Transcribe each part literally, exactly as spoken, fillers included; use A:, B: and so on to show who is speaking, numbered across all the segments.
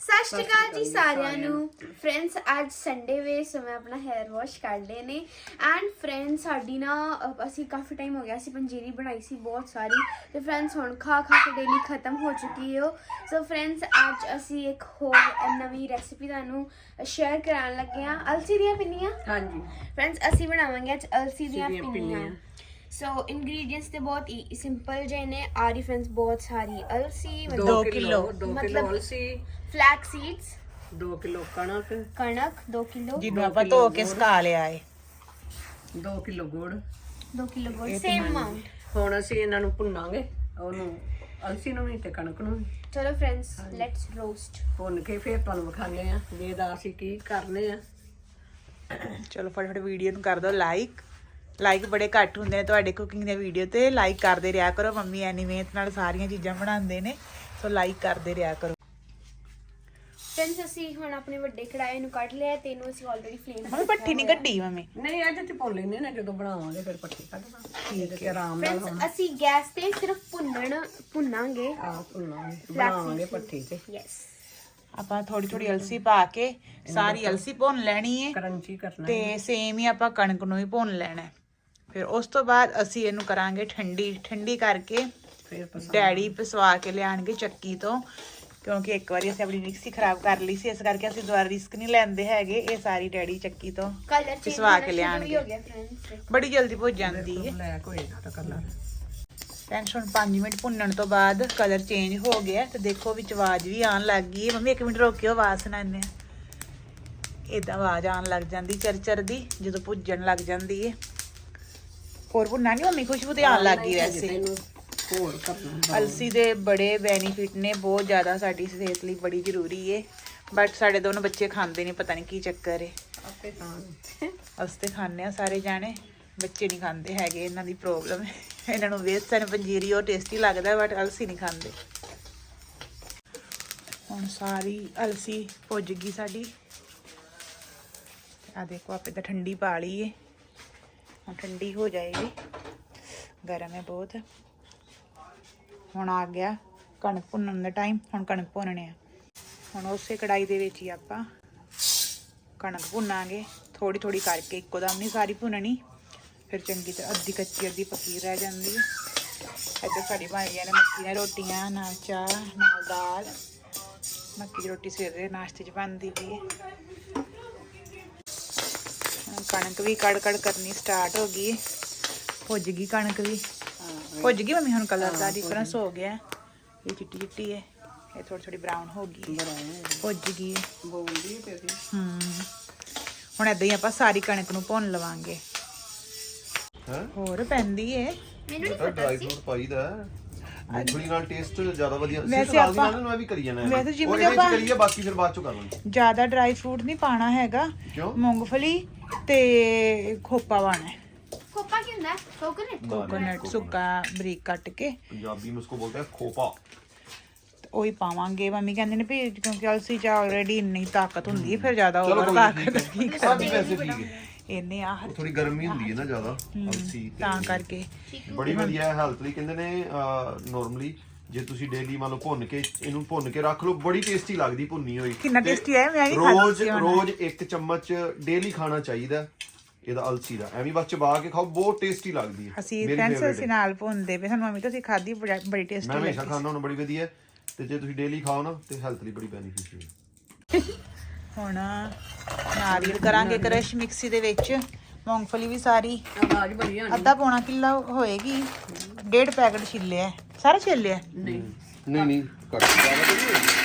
A: ਸਤਿ ਸ਼੍ਰੀ ਅਕਾਲ ਜੀ ਸਾਰਿਆਂ ਨੂੰ ਫਰੈਂਡਸ। ਅੱਜ ਸੰਡੇ ਵੇ ਸੋ ਮੈਂ ਆਪਣਾ ਹੈਅਰ ਵਾਸ਼ ਕਰ ਲਏ ਨੇ ਐਂਡ ਫਰੈਂਡਸ ਸਾਡੀ ਨਾ ਅਹ ਅਸੀਂ ਕਾਫੀ ਟਾਈਮ ਹੋ ਗਿਆ ਸੀ ਪੰਜੀਰੀ ਬਣਾਈ ਸੀ ਬਹੁਤ ਸਾਰੀ ਤੇ ਫਰੈਂਡਸ ਹੁਣ ਖਾ ਖਾ ਕੇ ਡੇਲੀ ਖਤਮ ਹੋ ਚੁੱਕੀ ਹੋ। ਸੋ ਫਰੈਂਡਸ ਅੱਜ ਅਸੀਂ ਇੱਕ ਹੋਰ ਨਵੀਂ ਰੈਸਿਪੀ ਤੁਹਾਨੂੰ ਸ਼ੇਅਰ ਕਰਾਉਣ ਲੱਗੇ ਹਾਂ, ਅਲਸੀ ਦੀਆਂ ਪਿੰਨੀਆਂ। ਹਾਂਜੀ ਫਰੈਂਡਸ ਅਸੀਂ ਬਣਾਵਾਂਗੇ ਅੱਜ ਅਲਸੀ ਦੀਆਂ ਪਿੰਨੀਆਂ। सो so, इंग्रेडिएंट्स तो बहुत ही सिंपल जे ने आ रही फ्रेंड्स बहुत सारी अलसी
B: दो किलो दो किलो
A: मतलब
B: अलसी
A: फ्लैक्स सीड्स
B: दो किलो कणक
A: कणक दो किलो
C: जिन्हों ਆਪਾਂ ਧੋ ਕੇ ਸੁਕਾ ਲਿਆ ਏ
B: दो किलो गुड़
A: दो किलो गुड़ सेम अमाउंट।
B: ਹੁਣ ਅਸੀਂ ਇਹਨਾਂ ਨੂੰ ਭੁੰਨਾਂਗੇ, ਉਹਨੂੰ ਅਲਸੀ ਨੂੰ ਵੀ ਤੇ ਕਣਕ ਨੂੰ ਵੀ।
A: चलो फ्रेंड्स लेट्स रोस्ट।
B: ਭੁੰਨ ਕੇ ਫਿਰ ਤੁਹਾਨੂੰ ਵਿਖਾਣੇ ਆ ਵੀ ਇਹਦਾ ਅਸੀਂ ਕੀ ਕਰਨੇ ਆ।
C: ਚਲੋ ਫਟਾਫਟ ਵੀਡੀਓ ਨੂੰ ਕਰ ਦਿਓ ਲਾਈਕ। ਲਾਈਕ ਬੜੇ ਘੱਟ ਹੁੰਦੇ ਨੇ ਤੁਹਾਡੇ ਕੁਕਿੰਗ ਦੇ ਵੀਡੀਓ ਤੇ, ਲਾਈਕ ਕਰਦੇ ਰਿਹਾ ਕਰੋ। ਮੰਮੀ ਐਨੀ ਮਿਹਨਤ ਨਾਲ ਸਾਰੀਆਂ ਚੀਜ਼ਾਂ ਬਣਾਉਂਦੇ ਨੇ, ਸੋ ਲਾਈਕ ਕਰਦੇ ਰਿਹਾ ਕਰੋ।
A: फ्रेंड्स ਅਸੀਂ ਹੁਣ ਆਪਣੇ ਵੱਡੇ ਕੜਾਈ ਨੂੰ ਕੱਢ ਲਿਆ ਤੇ ਇਹਨੂੰ ਅਸੀਂ ਆਲਰੇਡੀ ਫਲੇਮ
C: ਮੰਮੀ ਪੱਠੀ ਨਹੀਂ ਕੱਢੀ ਮੰਮੀ?
B: ਨਹੀਂ ਅੱਜ ਤੇ ਭੁੰਨ ਲੈਂਦੇ ਨਾ, ਜਦੋਂ ਬਣਾਵਾਂਗੇ ਫਿਰ ਪੱਟੀ ਕੱਢ ਦਾਂਗੇ ਠੀਕ ਹੈ ਆਰਾਮ ਨਾਲ।
A: फ्रेंड्स ਅਸੀਂ ਗੈਸ ਤੇ ਸਿਰਫ ਭੁੰਨਣ ਭੁੰਨਾਂਗੇ
B: ਆ ਭੁੰਨਾਂਗੇ ਬਣਾਵਾਂਗੇ ਪੱਟੀ ਤੇ।
A: ਯੈਸ
C: ਆਪਾਂ ਥੋੜੀ ਥੋੜੀ ਅਲਸੀ ਪਾ ਕੇ ਸਾਰੀ ਅਲਸੀ ਭੁੰਨ ਲੈਣੀ ਏ
B: ਕਰੰਚੀ ਕਰਨਾ
C: ਤੇ ਸੇਮ ਹੀ ਆਪਾਂ ਕਣਕ ਨੂੰ ਵੀ ਭੁੰਨ ਲੈਣਾ। ਫਿਰ ਉਸ ਤੋਂ ਬਾਅਦ ਅਸੀਂ ਇਹਨੂੰ ਕਰਾਂਗੇ ਠੰਡੀ। ਠੰਡੀ ਕਰਕੇ
B: ਫਿਰ
C: ਡੈਡੀ ਪਿਸਵਾ ਕੇ ਲਿਆਣਗੇ ਚੱਕੀ ਤੋਂ, ਕਿਉਂਕਿ ਇੱਕ ਵਾਰੀ ਅਸੀਂ ਆਪਣੀ ਮਿਕਸੀ ਖਰਾਬ ਕਰ ਲਈ ਸੀ, ਇਸ ਕਰਕੇ ਅਸੀਂ ਦੁਬਾਰਾ ਰਿਸਕ ਨਹੀਂ ਲੈਂਦੇ ਹੈਗੇ। ਇਹ ਸਾਰੀ ਡੈਡੀ ਚੱਕੀ ਤੋਂ
A: ਕਲਰ
C: ਪਿਸਵਾ ਕੇ ਲਿਆਣਗੇ।
A: ਹੋ ਗਿਆ फ्रेंड्स
C: ਬੜੀ ਜਲਦੀ ਭੁੱਜ ਜਾਂਦੀ ਹੈ।
B: ਬਲੈਕ ਹੋਏਗਾ ਤਾਂ ਕਲਰ।
C: ਟੈਨਸ਼ਨ ਪੰਜ ਮਿੰਟ ਭੁੰਨਣ ਤੋਂ ਬਾਅਦ ਕਲਰ ਚੇਂਜ ਹੋ ਗਿਆ ਤੇ ਦੇਖੋ ਵਿੱਚ ਆਵਾਜ਼ ਵੀ ਆਉਣ ਲੱਗ ਗਈ ਹੈ। ਮੰਮੀ ਇੱਕ ਮਿੰਟ ਰੋਕਿਓ, ਆਵਾਜ਼ ਸੁਣਾਉਂਦੇ ਆ। ਇਦਾਂ ਆਵਾਜ਼ ਆਉਣ ਲੱਗ ਜਾਂਦੀ ਚਰਚਰ ਦੀ ਜਦੋਂ ਭੁੱਜਣ ਲੱਗ ਜਾਂਦੀ ਹੈ। ਹੋਰ ਭੁੰਨਾ ਨਹੀਂ ਮੰਮੀ, ਖੁਸ਼ਬੂ ਤੇ ਆਉਣ ਲੱਗ ਗਈ। ਵੈਸੇ
B: ਹੋਰ ਕਰਨਾ
C: ਅਲਸੀ ਦੇ ਬੜੇ ਬੈਨੀਫਿਟ ਨੇ, ਬਹੁਤ ਜ਼ਿਆਦਾ ਸਾਡੀ ਸਿਹਤ ਲਈ ਬੜੀ ਜ਼ਰੂਰੀ ਹੈ। ਬਟ ਸਾਡੇ ਦੋਨੋਂ ਬੱਚੇ ਖਾਂਦੇ ਨਹੀਂ, ਪਤਾ ਨਹੀਂ ਕੀ ਚੱਕਰ ਹੈ।
B: ਆਪੇ ਤਾਂ
C: ਅਸੀਂ ਤੇ ਖਾਂਦੇ ਆ ਸਾਰੇ ਜਾਣੇ, ਬੱਚੇ ਨਹੀਂ ਖਾਂਦੇ ਹੈਗੇ, ਇਹਨਾਂ ਦੀ ਪ੍ਰੋਬਲਮ ਹੈ। ਇਹਨਾਂ ਨੂੰ ਵੇਸਣ ਪੰਜੀਰੀ ਉਹ ਟੇਸਟੀ ਲੱਗਦਾ ਬਟ ਅਲਸੀ ਨਹੀਂ ਖਾਂਦੇ। ਹੁਣ ਸਾਰੀ ਅਲਸੀ ਭੁੱਜ ਗਈ ਸਾਡੀ। ਆ ਦੇਖੋ ਆਪੇ ਤਾਂ ਠੰਡੀ ਪਾ ਲਈ ਹੈ, ਹੁਣ ਠੰਡੀ ਹੋ ਜਾਏਗੀ, ਗਰਮ ਹੈ ਬਹੁਤ। ਹੁਣ ਆ ਗਿਆ ਕਣਕ ਭੁੰਨਣ ਦਾ ਟਾਈਮ। ਹੁਣ ਕਣਕ ਭੁੰਨਣੇ ਆ। ਹੁਣ ਉਸੇ ਕੜਾਈ ਦੇ ਵਿੱਚ ਹੀ ਆਪਾਂ ਕਣਕ ਭੁੰਨਾਂਗੇ, ਥੋੜੀ ਥੋੜੀ ਕਰਕੇ, ਇੱਕੋ ਦਮ ਨਹੀਂ ਸਾਰੀ ਭੁੰਨਣੀ, ਫਿਰ ਚੰਗੀ ਤਰ੍ਹਾਂ ਅੱਧੀ ਕੱਚੀ ਅੱਧੀ ਪੱਕੀ ਰਹਿ ਜਾਂਦੀ ਹੈ। ਇੱਧਰ ਸਾਡੀ ਬਣ ਗਈਆਂ ਨੇ ਮੱਕੀ ਦੀਆਂ ਰੋਟੀਆਂ, ਨਾਲ ਚਾਹ ਨਾਲ ਦਾਲ। ਮੱਕੀ ਦੀ ਰੋਟੀ ਸਵੇਰੇ ਦੇ ਨਾਸ਼ਤੇ 'ਚ ਬਣਦੀ ਪਈ ਹੈ। ਕਣਕ ਵੀ ਕੜ ਕੜ ਕਰਨੀ ਸਟਾਰਟ ਹੋ ਗਈ ਹੈ, ਭੁੱਜ ਗਈ ਕਣਕ ਵੀ, ਭੁੱਜ ਗਈ ਮੰਮੀ। ਹੁਣ ਕਲਰ ਦਾ ਡਿਫਰੈਂਸ ਹੋ ਗਿਆ, ਇਹ ਚਿੱਟੀ ਚਿੱਟੀ ਹੈ, ਇਹ ਥੋੜੀ ਥੋੜੀ ਬਰਾਊਨ ਹੋ ਗਈ, ਭੁੱਜ ਗਈ ਹੈ।
B: ਬੋਲਦੀ ਹੈ ਤੇਰੀ।
C: ਹੂੰ ਹੁਣ ਏਦਾਂ ਹੀ ਆਪਾਂ ਸਾਰੀ ਕਣਕ ਨੂੰ ਭੁੰਨ ਲਵਾਂਗੇ। ਹੋਰ ਪੈਂਦੀ ਏ,
A: ਮੈਨੂੰ ਨਹੀਂ
D: ਤਾਂ
A: ਪਤਾ
D: ਡਰਾਈ
A: ਸੀ।
D: ਫਰੂਟ ਪਾਈਦਾ ਮੂੰਗਫਲੀ ਨਾਲ ਟੇਸਟ ਜ਼ਿਆਦਾ ਵਧੀਆ।
C: ਵੈਸੇ
D: ਸਿਰਫ
C: ਆਪਾਂ-
D: ਨਾਲ ਨੂੰ ਵੀ ਕਰੀ ਜਾਣਾ ਹੈ।
C: ਵੈਸੇ ਜਿਵੇਂ
D: ਉਹ ਇਹਦੇ
C: ਆਪਾਂ-
D: ਚ ਕਰੀਏ, ਬਾਕੀ ਫਿਰ ਬਾਅਦ ਚੋਂ ਕਰ ਲਾਂਗੇ।
C: ਜ਼ਿਆਦਾ ਡਰਾਈ ਫਰੂਟ ਨਹੀਂ ਪਾਣਾ ਹੈਗਾ।
D: ਕਿਉਂ?
C: ਮੂੰਗਫਲੀ ਤੇ ਖੋਪਾ ਪਾਣਾ ਹੈ,
A: ਖੋਪਾ ਕੀ ਹੁੰਦਾ? ਕੋਕੋਨਟ।
C: ਕੋਕੋਨਟ ਸੁੱਕਾ ਬਰੀਕ ਕੱਟ ਕੇ,
D: ਪੰਜਾਬੀ में उसको बोलते हैं खोपा।
C: ਉਹੀ ਪਾਵਾਂਗੇ। ਮੰਮੀ ਕਹਿੰਦੇ ਨੇ ਵੀ ਕਿਉਂਕਿ ਅਲਸੀ 'ਚ ਆਲਰੇਡੀ ਇੰਨੀ ਤਾਕਤ ਹੁੰਦੀ ਹੈ, ਫਿਰ ਜ਼ਿਆਦਾ
D: ਚਲੋ
C: ਓਵਰ
D: ਕੋਈ
C: ਤਾਕਤ
D: ਨਹੀਂ,
C: ਕੀ
D: ਸਾਡੀ ਵੈਸੇ ਠੀਕ ਹੈ।
C: ਇਹਨੇ ਆਹ
D: ਉਹ ਥੋੜੀ ਗਰਮੀ ਹੁੰਦੀ ਹੈ ਨਾ ਜ਼ਿਆਦਾ ਅਲਸੀ ਤੇ
C: ਤਾਂ ਕਰਕੇ।
D: ਬੜੀ ਵਧੀਆ ਹੈ ਹੈਲਥ ਲਈ। ਕਹਿੰਦੇ ਨੇ ਨਾਰਮਲੀ ਜੇ ਤੁਸੀਂ ਡੇਲੀ ਮੰਨ ਲਓ ਭੁੰਨ ਕੇ ਇਹਨੂੰ ਭੁੰਨ ਕੇ ਰੱਖ ਲਓ, ਬੜੀ ਟੇਸਟੀ ਲੱਗਦੀ ਭੁੰਨੀ ਹੋਈ।
C: ਕਿੰਨਾ
D: ਤੇ
C: ਟੇਸਟੀ ਹੈ, ਮੈਂ ਵੀ ਖਾਧੀ
D: ਰੋਜ਼
C: ਸੀ ਹੁਣ।
D: ਰੋਜ਼ ਇੱਕ ਚਮਚ ਡੇਲੀ ਖਾਣਾ ਚਾਹੀਦਾ ਇਹਦਾ ਅਲਸੀ ਦਾ। ਐਵੇਂ ਬਸ ਚਬਾ ਕੇ ਖਾਓ, ਬਹੁਤ ਟੇਸਟੀ ਲੱਗਦੀ ਹੈ।
C: ਅਸੀਂ
D: ਮੇਰੀ
C: ਫਰੈਂਡਸ
D: favorite
C: ਅਸੀਂ
D: ਹੈ।
C: ਨਾਲ ਭੁੰਨਦੇ ਪਏ, ਸਾਨੂੰ ਮੰਮੀ ਤਾਂ ਅਸੀਂ ਖਾਧੀ, ਬੜਾ- ਬੜੀ ਟੇਸਟੀ
D: ਮੈਂ ਹਮੇਸ਼ਾ
C: ਲੱਗੀ।
D: ਖਾਣਾ ਹੁਣ ਬੜੀ ਵਧੀਆ ਹੈ, ਤੇ ਜੇ ਤੁਸੀਂ ਡੇਲੀ ਖਾਓ ਨਾ ਤੇ ਹੈਲਥ ਲਈ ਬੜੀ ਬੈਨੀਫਿਸ਼ੀਅਲ ਹੈ।
C: ਹੁਣ ਨਾਰੀਅਲ ਕਰਾਂਗੇ ਕ੍ਰਸ਼ ਮਿਕਸੀ ਦੇ ਵਿੱਚ। ਮੂੰਗਫਲੀ ਵੀ ਸਾਰੀ
B: ਆਵਾਜ਼ ਬੜੀ ਆਣੀ।
C: ਅੱਧਾ ਪੌਣਾ ਕਿੱਲਾ ਹੋਏਗੀ, ਡੇਢ ਪੈਕਟ ਛਿੱਲਿਆ, ਸਾਰਾ ਛਿੱਲਿਆ।
B: ਨਹੀਂ
D: ਨਹੀਂ ਨਹੀਂ ਘੱਟ ਜ਼ਿਆਦਾ ਤਾਂ ਨਹੀਂ ਹੋਏਗੀ।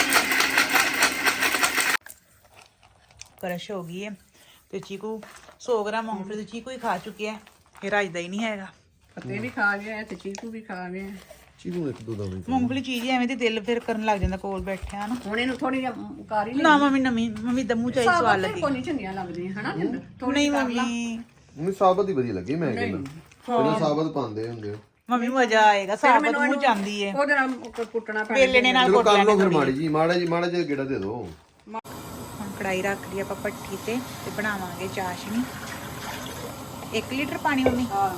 C: ਕ੍ਰਸ਼ ਹੋ ਗਈ ਹੈ ਤੇ ਚੀਕੂ ਸੌ ਗ੍ਰਾਮ ਮੂੰਗਫਲੀ ਤੇ ਚੀਕੂ ਹੀ ਖਾ ਚੁੱਕਿਆ, ਇਹ ਰਾਜਦਾ ਹੀ ਨਹੀਂ ਹੈਗਾ।
B: ਪੱਤੇ ਵੀ ਖਾ ਗਿਆ ਤੇ ਚੀਕੂ ਵੀ ਖਾ ਗਿਆ।
D: ਚੀਕੂ ਇੱਕ ਦੋ ਦਵਾਈ
C: ਮੂੰਗਫਲੀ ਚੀਜ਼ ਹੀ ਐਵੇਂ ਦੀ ਦਿਲ ਫਿਰ ਕਰਨ ਲੱਗ ਜਾਂਦਾ ਕੋਲ ਬੈਠਿਆ ਨਾ।
B: ਹੁਣ ਇਹਨੂੰ ਥੋੜੀ ਜਿਹੀ ਕਾਰੀ ਲੈ।
C: ਨਾ ਮੰਮੀ ਨਵੀਂ ਮੰਮੀ ਦਾ ਮੂੰਹ ਚਾਹੀ ਸਵਾਦ ਲੱਗੀ।
B: ਕੋਈ ਨਹੀਂ ਚੰਗੀਆਂ ਲੱਗਦੀਆਂ ਹਨਾ ਜਿੰਦਰ।
C: ਨਹੀਂ ਮੰਮੀ
D: ਮੈਨੂੰ ਸਾਬਤ ਹੀ ਵਧੀਆ ਲੱਗੀ। ਮੈਂ ਕਹਿੰਦਾ ਪਹਿਲਾਂ ਸਾਬਤ ਪਾਉਂਦੇ ਹੁੰਦੇ ਆ।
C: ਮੰਮੀ ਮਜ਼ਾ ਆਏਗਾ, ਸਾਬਤ ਮੂੰਹ ਜਾਂਦੀ ਹੈ।
B: ਉਹਦੇ ਨਾਲ ਕੁੱਟਣਾ ਪੈਣਾ।
C: ਵੇਲੇ ਨੇ ਨਾਲ
D: ਚਲੋ
C: ਕੁੱਟ
D: ਕਰ ਲਓ
C: ਲੈਣੇ।
D: ਫਿਰ ਮਾੜੀ ਜੀ ਮਾੜਾ ਜੀ ਮਾੜਾ ਜਿਹਾ ਗੇੜਾ ਦੇ ਦਿਓ।
C: ਹੁਣ ਕੜਾਈ ਰੱਖ ਲਈ ਆਪਾਂ ਭੱਠੀ ਤੇ ਤੇ ਬਣਾਵਾਂਗੇ ਚਾਸ਼ਨੀ। ਇੱਕ ਲੀਟਰ ਪਾਣੀ ਮੰਮੀ,
B: ਹਾਂ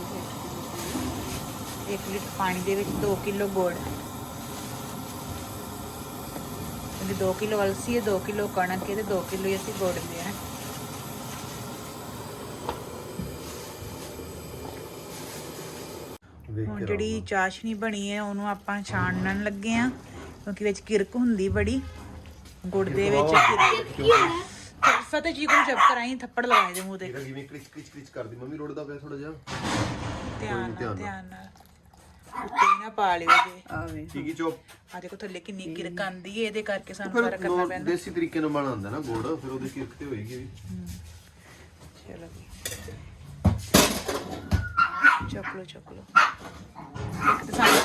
C: ਇੱਕ ਲੀਟਰ ਪਾਣੀ ਦੇ ਵਿੱਚ ਦੋ ਕਿਲੋ ਗੁੜ, ਕਹਿੰਦੇ ਦੋ ਕਿਲੋ ਅਲਸੀ ਹੈ, ਦੋ ਕਿਲੋ ਕਣਕ ਹੈ ਤੇ ਦੋ ਕਿਲੋ ਹੀ ਅਸੀਂ ਗੁੜ ਲਿਆ। ਹੁਣ ਜਿਹੜੀ ਚਾਸ਼ਨੀ ਬਣੀ ਹੈ ਉਹਨੂੰ ਆਪਾਂ ਛਾਣਨ ਲੱਗੇ ਆ, ਕਿਉਂਕਿ ਵਿੱਚ ਕਿਰਕ ਹੁੰਦੀ ਬੜੀ ਗੁੜ ਦੇ ਵਿੱਚ। ਫਤਿਹ ਜੀ ਕੋਲ ਚੁੱਪ ਕਰਾਈ, ਥੱਪੜ ਲਗਾਏ ਦੇ ਮੂੰਹ ਤੇ।
D: ਜਿਵੇਂ ਕ੍ਰਿਚ ਕ੍ਰਿਚ ਕ੍ਰਿਚ ਕਰਦੀ ਮੰਮੀ ਰੋੜਦਾ ਪਿਆ ਥੋੜਾ ਜਿਹਾ।
C: ਧਿਆਨ ਨਾਲ ਧਿਆਨ ਨਾਲ ਉੱਤੇ ਨਾ ਪਾ ਲਿਓ ਜੇ।
B: ਆਵੇ
D: ਕੀ ਕੀ ਚੋਪ
C: ਆ ਦੇਖੋ ਥੱਲੇ ਕਿੰਨੀ ਕਿਰਕ ਆਂਦੀ ਹੈ, ਇਹਦੇ ਕਰਕੇ ਸਾਨੂੰ ਫਰਕ ਕਰਨਾ ਪੈਂਦਾ।
D: ਦੇਸੀ ਤਰੀਕੇ ਨਾਲ ਬਣਾਉਂਦਾ ਨਾ ਗੁੜ, ਫਿਰ ਉਹਦੀ ਕਿਰਕ ਤੇ ਹੋਏਗੀ ਵੀ।
C: ਚਲੋ ਜੀ ਚੁੱਕ ਲਓ ਚੁੱਕ ਲਓ। ਇੱਕ ਤਾਂ ਸਾਨੂੰ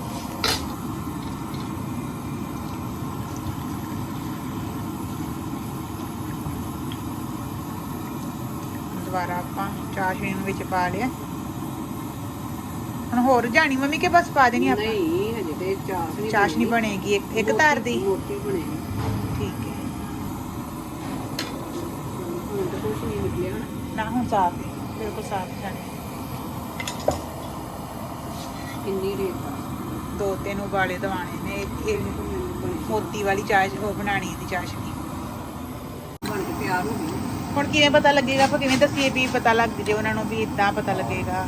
C: ਦੁਬਾਰਾ ਆਪਾਂ ਚਾਸ਼ਨੀ ਨੂੰ ਵਿੱਚ ਪਾ ਲਿਆ। ਹੁਣ ਹੋਰ ਜਾਣੀ ਮੰਮੀ ਕੇ ਬਸ ਪਾ ਦੇਣੀ ਆਪਾਂ?
B: ਨਹੀਂ ਹਜੇ ਤੇ ਚਾਸ਼ਨੀ
C: ਚਾਸ਼ਨੀ ਬਣੇਗੀ ਇੱਕ ਇੱਕ ਧਾਰ ਦੀ।
B: ਮੋਟੀ ਬਣੇਗੀ।
C: ਠੀਕ ਹੈ
B: ਹੁਣ ਤਾਂ ਕੁਛ ਨਹੀਂ ਨਿਕਲਿਆ
C: ਨਾ, ਹੁਣ ਸਾਫ ਹੈ ਬਿਲਕੁਲ ਸਾਫ ਜਾਣੀ।
B: ਕਿੰਨੀ ਰੇਤ ਆ।
C: ਦੋ ਤਿੰਨ ਉਬਾਲੇ ਦਵਾਣੇ ਨੇ। ਇਹ ਇਹ ਮੋਤੀ ਵਾਲੀ ਚਾਸ਼ ਉਹ ਬਣਾਣੀ ਦੀ ਚਾਸ਼ਨੀ।
B: ਬਣ ਕੇ ਤਿਆਰ ਹੋ ਗਈ।
C: ਹੁਣ ਕਿਵੇਂ ਪਤਾ ਲੱਗੇਗਾ? ਆਪਾਂ ਕਿਵੇਂ ਦੱਸੀਏ ਵੀ ਪਤਾ ਲੱਗ ਜੇ ਉਹਨਾਂ ਨੂੰ ਵੀ ਇਦਾਂ ਪਤਾ ਲੱਗੇਗਾ?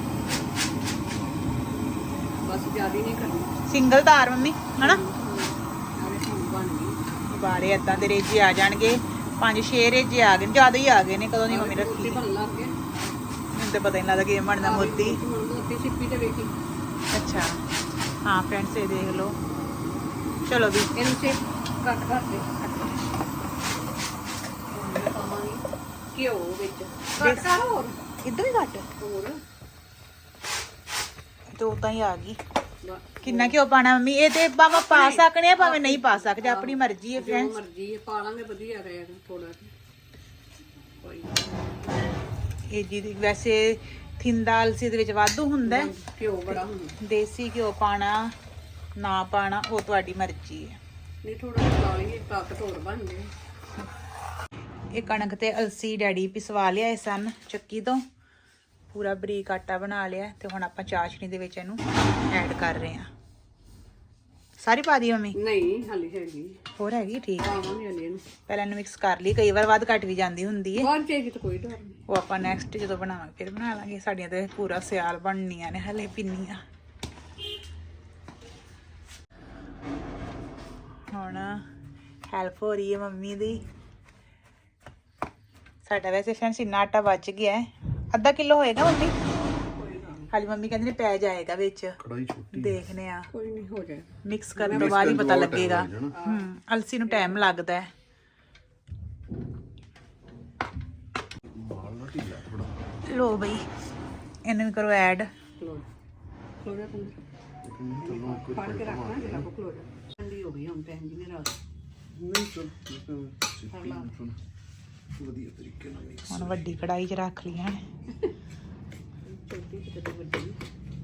B: ਬਸ ਜ਼ਿਆਦਾ ਨਹੀਂ ਕਰਨੀ।
C: ਸਿੰਗਲ ਧਾਰ ਮੰਮੀ ਹਨਾ?
B: ਆਵੇ ਹੁਣ ਬਣ ਗਈ।
C: ਉਬਾਲੇ ਏਦਾਂ ਦੇ ਰੇਜੇ ਆ ਜਾਣਗੇ, ਪੰਜ ਛੇ ਰੇਜੇ ਆ ਗਏ ਨੇ, ਜ਼ਿਆਦਾ ਹੀ ਆ ਗਏ ਨੇ। ਕਦੋਂ ਦੀ ਮੰਮੀ ਰੱਖੀ?
B: ਬਣ ਲੱਗ ਗਏ।
C: ਮੈਨੂੰ ਤਾਂ ਪਤਾ ਹੀ ਨਹੀਂ ਲੱਗਦਾ ਕਿਵੇਂ ਬਣਦਾ ਮੋਤੀ।
B: ਹੁਣ ਮੋਤੀ ਸਿੱਪੀ ਤੇ ਵੇਖੀ।
C: ਅੱਛਾ ਹਾਂ ਫਰੈਂਡਸ ਇਹ ਦੇਖ ਲਓ। ਚਲੋ ਵੀ
B: ਇਹਨੂੰ ਸੇ ਕੱਟ ਕਰ ਦੇ। ਪਾਵਾਂਗੀ ਘਿਓ ਵਿੱਚ। ਕੱਟ ਕਰ ਹੋਰ
C: ਇੱਦਾਂ ਹੀ ਕੱਟ
B: ਹੋਰ
C: ਤੇ ਉਦਾਂ ਹੀ ਆ ਗਈ।
B: ਬਸ
C: ਕਿੰਨਾ ਘਿਓ ਪਾਣਾ ਮੰਮੀ? ਇਹ ਤੇ ਭਾਵੇਂ ਪਾ ਸਕਣੇ ਆ ਭਾਵੇਂ ਨਹੀਂ ਪਾ ਸਕਦੇ, ਆਪਣੀ ਮਰਜ਼ੀ ਹੈ
B: ਜੋ
C: ਫਰੈਂਡਸ।
B: ਮਰਜ਼ੀ ਹੈ ਪਾ ਲਾਂਗੇ, ਵਧੀਆ ਰਹੇਗਾ ਥੋੜਾ ਕੋਈ
C: ਇਹ ਜੀ ਵੈਸੇ ਥਿੰਦਾ ਅਲਸੀ ਦੇ ਵਿੱਚ ਵਾਧੂ ਹੁੰਦਾ ਹੈ।
B: ਘਿਓ ਬੜਾ ਹੁੰਦਾ।
C: ਦੇਸੀ ਘਿਓ ਪਾਣਾ ਨਾ ਪਾਣਾ ਉਹ ਤੁਹਾਡੀ ਮਰਜ਼ੀ ਹੈ।
B: ਨਹੀਂ ਥੋੜਾ ਜਿਹਾ ਲਾ ਲਈਏ, ਤਾਕਤ ਹੋਰ ਬਣ ਜਾਏ।
C: ਇਹ ਕਣਕ ਤੇ ਅਲਸੀ ਡੈਡੀ ਪਿਸਵਾ ਲਿਆਏ ਸਨ ਚੱਕੀ ਤੋਂ, ਪੂਰਾ ਬਰੀਕ ਆਟਾ ਬਣਾ ਲਿਆ ਤੇ ਹੁਣ ਆਪਾਂ ਚਾਸ਼ਨੀ ਦੇ ਵਿੱਚ ਇਹਨੂੰ ਐਡ ਕਰ ਰਹੇ ਹਾਂ। ਸਾਰੀ ਪਾ ਦੀ ਮੰਮੀ?
B: ਨਹੀਂ ਹਾਲੀ ਹੈਗੀ,
C: ਹੋਰ ਹੈਗੀ? ਠੀਕ ਹੈ।
B: ਪਾਵਾਂਗੇ ਹਾਲੀ ਇਹਨੂੰ।
C: ਪਹਿਲਾਂ ਇਹਨੂੰ ਮਿਕਸ ਕਰ ਲਈ, ਕਈ ਵਾਰ ਵੱਧ ਘੱਟ ਵੀ ਜਾਂਦੀ ਹੁੰਦੀ ਹੈ।
B: ਬਾਅਦ ਚਾਹੀਦੀ ਤਾਂ ਕੋਈ ਡਰ ਨਹੀਂ।
C: ਉਹ ਆਪਾਂ ਨੈਕਸਟ ਜਦੋਂ ਬਣਾਵਾਂਗੇ ਫਿਰ ਬਣਾ ਲਾਂਗੇ। ਸਾਡੀਆਂ ਤੇ ਪੂਰਾ ਸਿਆਲ ਬਣਨੀਆਂ ਨੇ ਹਲੇ ਪਿੰਨੀਆਂ। ਹੁਣ ਹੈਲਪ ਹੋ ਰਹੀ ਹੈ ਮੰਮੀ ਦੀ। ਸਾਡਾ ਵੈਸੇ ਫਰੈਂਡਸ ਇੰਨਾ ਆਟਾ ਬਚ ਗਿਆ ਹੈ, ਅੱਧਾ ਕਿਲੋ ਹੋਏਗਾ ਮੰਮੀ। ਹਾਲੀ ਮੰਮੀ ਕਹਿੰਦੇ ਨੇ ਪੈ ਜਾਏਗਾ ਵਿੱਚ।
D: ਕੜਾਈ ਛੋਟੀ
C: ਦੇਖਦੇ ਆ,
B: ਕੋਈ ਨਹੀਂ ਹੋ ਜਾਏ।
C: ਮਿਕਸ ਕਰਨ ਤੋਂ ਬਾਅਦ ਹੀ ਪਤਾ ਲੱਗੇਗਾ। ਹਮ ਅਲਸੀ ਨੂੰ ਟਾਈਮ ਲੱਗਦਾ ਹੈ। ਲੋ ਬਈ ਇਹਨੂੰ ਵੀ ਕਰੋ ਐਡ।
B: ਖਲੋ ਖਲੋ ਜਾ ਤੂੰ। ਫੜ ਕੇ ਰੱਖਣਾ ਜਿਹੜਾ ਕੋ ਖਲੋ ਜਾ। ਠੰਡੀ ਹੋ ਗਈ ਹੁਣ ਭੈਣ ਜੀ ਨੇ ਰਾਤ।
D: ਨਹੀਂ ਚਲ ਵਧੀਆ ਤਰੀਕੇ ਨਾਲ ਮਿਕਸ।
C: ਹੁਣ ਵੱਡੀ ਕੜਾਈ 'ਚ ਰੱਖ ਲਈਆਂ ਨੇ।
B: ਛੋਟੀ ਤੇ ਕਿਤੇ ਵੱਡੀ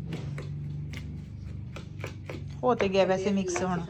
C: ਹੋ ਤੇ ਗਿਆ ਵੈਸੇ ਮਿਕਸ। ਹੁਣ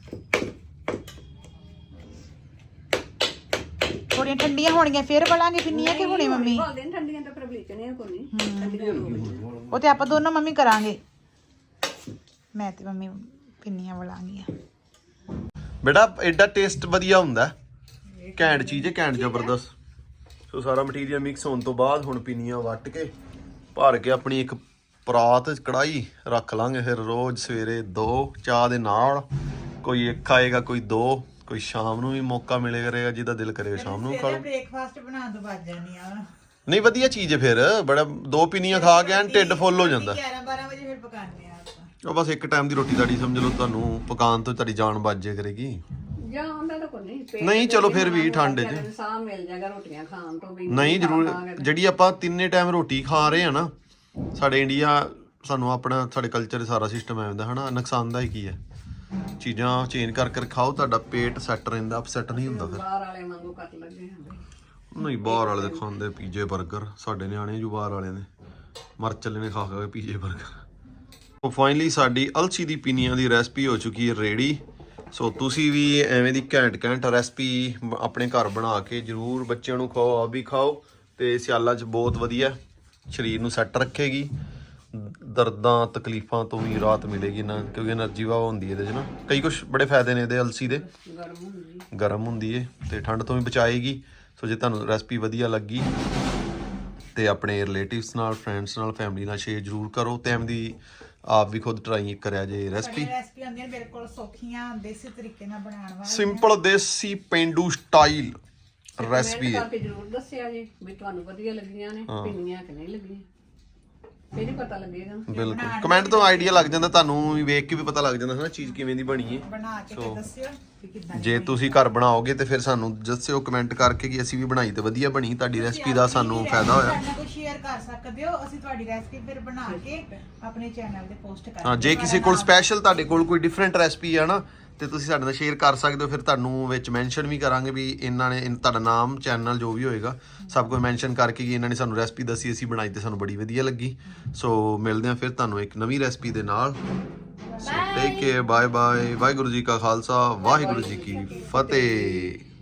C: ਥੋੜੀਆਂ ਠੰਡੀਆਂ ਹੋਣਗੀਆਂ ਫਿਰ ਬਲਾਂਗੇ ਪਿੰਨੀਆਂ ਕਿ ਹੁਣੇ ਮੰਮੀ?
B: ਹਾਲੇ ਠੰਡੀਆਂ ਤਾਂ ਪਰ ਬਲੀਚਣੀਆਂ ਕੋਈ ਨਹੀਂ। ਠੰਡੀਆਂ ਹੋ ਗਈਆਂ।
C: ਉਹ ਤੇ ਆਪਾਂ ਦੋਨੋਂ ਮੰਮੀ ਕਰਾਂਗੇ। ਮੈਂ ਤੇ ਮੰਮੀ ਪਿੰਨੀਆਂ ਬਲਾਂਗੀਆਂ।
D: ਬੇਟਾ ਐਡਾ ਟੇਸਟ ਵਧੀਆ ਹੁੰਦਾ, ਘੈਂਟ ਚੀਜ਼ ਹੈ, ਘੈਂਟ ਜ਼ਬਰਦਸਤ। ਸੋ ਸਾਰਾ ਮਟੀਰੀਅਲ ਮਿਕਸ ਹੋਣ ਤੋਂ ਬਾਅਦ ਹੁਣ ਪਿੰਨੀਆਂ ਵੱਟ ਕੇ ਭਰ ਕੇ ਆਪਣੀ ਇੱਕ ਪਰਾਤ ਕੜਾਈ ਰੱਖ ਲਾਂਗੇ। ਫਿਰ ਰੋਜ਼ ਸਵੇਰੇ ਦੋ ਚਾਹ ਦੇ ਨਾਲ, ਕੋਈ ਇੱਕ ਖਾਏਗਾ, ਕੋਈ ਦੋ, ਕੋਈ ਸ਼ਾਮ ਨੂੰ ਵੀ ਮੌਕਾ ਮਿਲੇ ਕਰੇਗਾ, ਜਿਹਦਾ ਦਿਲ ਕਰੇਗਾ ਸ਼ਾਮ ਨੂੰ ਖਾ ਲਓ।
C: ਬ੍ਰੇਕਫਾਸਟ ਬਣਾਉਣ ਤੋਂ ਬਾਅਦ ਜਾਨੀ ਆ।
D: ਨਹੀਂ ਵਧੀਆ ਚੀਜ਼ ਹੈ ਫਿਰ, ਬੜਾ ਦੋ ਪਿੰਨੀਆਂ ਖਾ ਕੇ ਐਨ ਢਿੱਡ ਫੁੱਲ ਹੋ ਜਾਂਦਾ।
C: ਗਿਆਰਾਂ ਬਾਰਾਂ ਵਜੇ ਫਿਰ ਪਕਾਉਂਦੇ ਆ ਆਪਾਂ।
D: ਉਹ ਬਸ ਇੱਕ ਟਾਈਮ ਦੀ ਰੋਟੀ ਤੁਹਾਡੀ ਸਮਝ ਲਓ, ਤੁਹਾਨੂੰ ਪਕਾਉਣ ਤੋਂ ਤੁਹਾਡੀ ਜਾਨ ਬਚ ਜਾਇਆ ਕਰੇਗੀ।
B: ਜਾਂ ਹੁੰਦਾ ਤਾਂ ਕੋਈ ਨਹੀਂ।
D: ਨਹੀਂ ਚਲੋ ਫਿਰ ਵੀ ਠੰਡ 'ਚ
B: ਸਾਹ ਮਿਲ ਜਾਏਗਾ ਰੋਟੀਆਂ ਖਾਣ ਤੋਂ ਵੀ।
D: ਨਹੀਂ ਜ਼ਰੂਰ। ਜਿਹੜੀ ਆਪਾਂ ਤਿੰਨੇ ਟਾਈਮ ਰੋਟੀ ਖਾ ਰਹੇ ਆ ਨਾ, ਸਾਡੇ ਇੰਡੀਆ ਸਾਨੂੰ ਆਪਣਾ ਸਾਡੇ ਕਲਚਰ ਸਾਰਾ ਸਿਸਟਮ ਐਵੇਂ ਦਾ ਹਨਾ, ਨੁਕਸਾਨਦਾਇਕ ਹੀ ਹੈ। ਚੀਜ਼ਾਂ ਚੇਂਜ ਕਰ ਕਰ ਖਾਓ, ਤੁਹਾਡਾ ਪੇਟ ਸੈੱਟ ਰਹਿੰਦਾ, ਅਪਸੈਟ ਨਹੀਂ ਹੁੰਦਾ ਫਿਰ।
B: ਬਾਹਰ ਵਾਲੇ ਵਾਂਗੂ ਕੱਟ ਲੱਗੇ ਹੁੰਦੇ।
D: ਨਹੀਂ ਬਾਹਰ ਵਾਲੇ ਦੇ ਖਾਂਦੇ ਪੀਜੇ 버ਗਰ, ਸਾਡੇ ਨਿਆਣੇ ਜੂ ਬਾਹਰ ਵਾਲੇ ਨੇ ਮਰ ਚੱਲੇ ਨੇ ਖਾ ਖਾ ਕੇ ਪੀਜੇ 버ਗਰ। ਉਹ ਫਾਈਨਲੀ ਸਾਡੀ ਅਲਸੀ ਦੀ ਪਿੰਨੀਆਂ ਦੀ ਰੈਸਪੀ ਹੋ ਚੁੱਕੀ ਹੈ ਰੈਡੀ। ਸੋ ਤੁਸੀਂ ਵੀ ਐਵੇਂ ਦੀ ਘੈਂਟ ਘੈਂਟ ਰੈਸਪੀ ਆਪਣੇ ਘਰ ਬਣਾ ਕੇ ਜ਼ਰੂਰ ਬੱਚਿਆਂ ਨੂੰ ਖਵਾਓ, ਆਪ ਵੀ ਖਾਓ। ਤੇ ਸਿਆਲਾਂ 'ਚ ਬਹੁਤ ਵਧੀਆ, ਸਰੀਰ ਨੂੰ ਸੈੱਟ ਰੱਖੇਗੀ। ਦਰਦਾਂ ਤਕਲੀਫਾਂ ਤੋਂ ਵੀ ਰਾਹਤ ਮਿਲੇਗੀ ਨਾ, ਕਿਉਂਕਿ એનર્ਜੀ ਵਾ ਹੁੰਦੀ ਇਹਦੇ 'ਚ ਨਾ। ਕਈ ਕੁਝ ਬੜੇ ਫਾਇਦੇ ਨੇ ਇਹਦੇ ਅਲਸੀ ਦੇ,
B: ਗਰਮ ਹੁੰਦੀ
D: ਗਰਮ ਹੁੰਦੀ ਏ ਤੇ ਠੰਡ ਤੋਂ ਵੀ ਬਚਾਏਗੀ। ਸੋ ਜੇ ਤੁਹਾਨੂੰ ਰੈਸਪੀ ਵਧੀਆ ਲੱਗੀ ਤੇ ਆਪਣੇ ਰਿਲੇਟਿਵਸ ਨਾਲ, ਫਰੈਂਡਸ ਨਾਲ, ਫੈਮਿਲੀ ਨਾਲ ਸ਼ੇਅਰ ਜ਼ਰੂਰ ਕਰੋ ਤੇ ਐਮ ਦੀ ਆਪ ਵੀ ਖੁਦ ਟਰਾਈ ਕਰਿਆ ਜੇ ਰੈਸਪੀ।
C: ਰੈਸਪੀ ਹੁੰਦੀਆਂ ਬਿਲਕੁਲ ਸੌਖੀਆਂ ਦੇਸੀ ਤਰੀਕੇ ਨਾਲ ਬਣਾਉਣ ਵਾਲੀਆਂ,
D: ਸਿੰਪਲ ਦੇਸੀ ਪੇਂਡੂ ਸਟਾਈਲ ਰੈਸਪੀ ਹੈ।
B: ਕਰਕੇ ਜ਼ਰੂਰ ਦੱਸਿਆ ਜੀ ਵੀ ਤੁਹਾਨੂੰ ਵਧੀਆ ਲੱਗੀਆਂ ਨੇ, ਪਿੰਨੀਆਂ ਕਿ ਨਹੀਂ ਲੱਗੀਆਂ, ਫਿਰ ਹੀ ਪਤਾ ਲੱਗੇਗਾ।
D: ਬਿਲਕੁਲ ਕਮੈਂਟ ਤੋਂ ਆਈਡੀਆ ਲੱਗ ਜਾਂਦਾ, ਤੁਹਾਨੂੰ ਵੀ ਵੇਖ ਕੇ ਵੀ ਪਤਾ ਲੱਗ ਜਾਂਦਾ ਹੈ ਨਾ ਚੀਜ਼ ਕਿਵੇਂ ਦੀ ਬਣੀ ਹੈ।
C: ਬਣਾ ਕੇ ਤੇ ਦੱਸਿਓ ਕਿ ਕਿੱਦਾਂ
D: ਜੇ ਤੁਸੀਂ ਘਰ ਬਣਾਓਗੇ ਤੇ ਫਿਰ ਸਾਨੂੰ ਦੱਸਿਓ ਕਮੈਂਟ ਕਰਕੇ ਕਿ ਅਸੀਂ ਵੀ ਬਣਾਈ ਤੇ ਵਧੀਆ ਬਣੀ, ਤੁਹਾਡੀ ਰੈਸਪੀ ਦਾ ਸਾਨੂੰ ਫਾਇਦਾ ਹੋਇਆ।
C: ਸਾਡੇ ਨਾਲ ਕੋਈ ਸ਼ੇਅਰ ਕਰ ਸਕਦੇ ਹੋ, ਅਸੀਂ ਤੁਹਾਡੀ ਰੈਸਪੀ ਫਿਰ ਬਣਾ ਕੇ ਆਪਣੇ ਚੈਨਲ ਤੇ ਪੋਸਟ ਕਰਾਂਗੇ।
D: ਹਾਂ, ਜੇ ਕਿਸੇ ਕੋਲ ਸਪੈਸ਼ਲ ਤੁਹਾਡੇ ਕੋਲ ਕੋਈ ਡਿਫਰੈਂਟ ਰੈਸਪੀ ਆ ਨਾ ਤੇ ਤੁਸੀਂ ਸਾਡੇ ਨਾਲ ਸ਼ੇਅਰ ਕਰ ਸਕਦੇ ਹੋ, ਫਿਰ ਤੁਹਾਨੂੰ ਵਿੱਚ ਮੈਂਸ਼ਨ ਵੀ ਕਰਾਂਗੇ ਵੀ ਇਹਨਾਂ ਨੇ ਇਨ- ਤੁਹਾਡਾ ਨਾਮ, ਚੈਨਲ ਜੋ ਵੀ ਹੋਏਗਾ ਸਭ ਕੁਝ ਮੈਂਸ਼ਨ ਕਰਕੇ ਕਿ ਇਹਨਾਂ ਨੇ ਸਾਨੂੰ ਰੈਸਪੀ ਦੱਸੀ, ਅਸੀਂ ਬਣਾਈ ਤੇ ਸਾਨੂੰ ਬੜੀ ਵਧੀਆ ਲੱਗੀ। ਸੋ ਮਿਲਦੇ ਹਾਂ ਫਿਰ ਤੁਹਾਨੂੰ ਇੱਕ ਨਵੀਂ ਰੈਸਪੀ ਦੇ ਨਾਲ। So take care, bye bye, Waheguru ji ਕਾ ਖਾਲਸਾ, ਵਾਹਿਗੁਰੂ ਜੀ ਕੀ ਫਤਿਹ।